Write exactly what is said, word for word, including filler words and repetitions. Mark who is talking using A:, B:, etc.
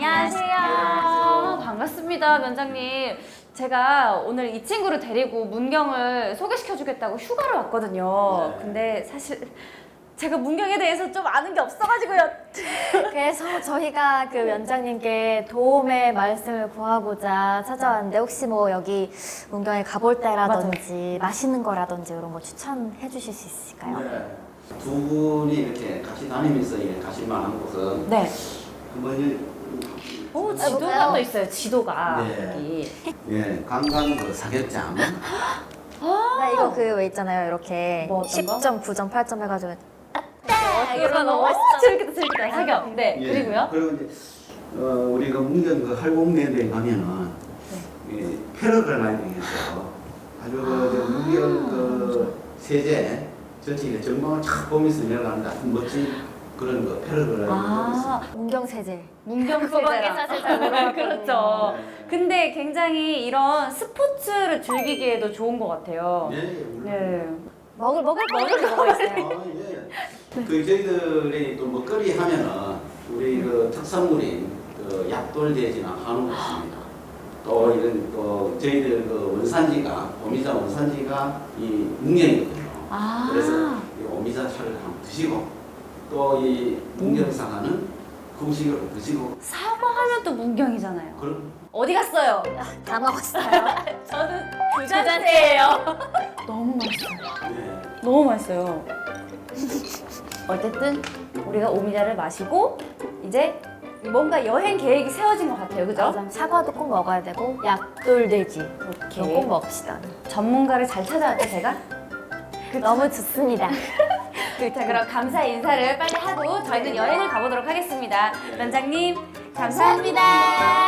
A: 안녕하세요. 반갑습니다, 면장님. 제가 오늘 이 친구를 데리고 문경을 소개시켜주겠다고 휴가를 왔거든요.
B: 네.
A: 근데 사실 제가 문경에 대해서 좀 아는 게 없어가지고요.
C: 그래서 저희가 그 면장님께 도움의 말씀을 구하고자 찾아왔는데 혹시 뭐 여기 문경에 가볼 때라든지 맛있는 거라든지 이런 거 추천해 주실 수 있을까요?
B: 네. 두 분이 이렇게 같이 다니면서 예, 가실 만한 곳은
A: 네.
B: 한번 이-
A: 오, 지도가 또 있어요, 지도가.
B: 네.
A: 여기.
B: 예, 관광 그 사격장.
C: 나 이거 그 왜 있잖아요. 이렇게
A: 뭐 어떤 거?
C: 십 점, 구 점, 팔 점 해가지고
A: 아, 이거 너무 재밌겠다, 재밌겠다. 사격. 네,
B: 예,
A: 그리고요?
B: 그리고 이제 어, 우리 그 문경 그 할공대에 가면은 예, 패러글라이딩에서 아주 그 문경 그 세제 전체 전망을 쫙 보면서 내려가는 아주 멋진 그런 그 패러글라이딩이 있습니다.
A: 아,
C: 문경 세제.
A: 문경
C: 그거밖에
A: 세대라.
C: 사실 잘 몰라요.
A: 그렇죠.
B: 네.
A: 근데 굉장히 이런 스포츠를 즐기기에도 좋은 것 같아요.
B: 예, 예, 물론.
A: 네.
C: 먹을 먹을 먹을 게 뭐가 있어요?
B: 아, 예. 그 저희들이 또 먹거리 하면은 우리 그 특산물인 그 약돌돼지나 한우가 있습니다. 또 이런 또 저희들 그 원산지가 오미자 원산지가 이 문경이거든요.
A: 아.
B: 그래서 이 오미자 차를 한번 드시고 또 이 문경사과는 금식으로 드시고
A: 사과하면 또 문경이잖아요.
B: 그런
A: 어디 갔어요?
C: 다 먹었어요.
A: 저는 두
C: 잔째예요.
A: 너무 맛있어요.
B: 네.
A: 너무 맛있어요. 어쨌든 우리가 오미자를 마시고 이제 뭔가 여행 계획이 세워진 것 같아요. 그죠?
C: 맞아. 사과도 꼭 먹어야 되고 약돌돼지 이거 꼭 먹읍시다.
A: 전문가를 잘 찾아왔죠, 제가?
C: 너무 좋습니다.
A: 자, 그럼 감사 인사를 빨리 하고 저희는 여행을 가보도록 하겠습니다. 면장님, 감사합니다.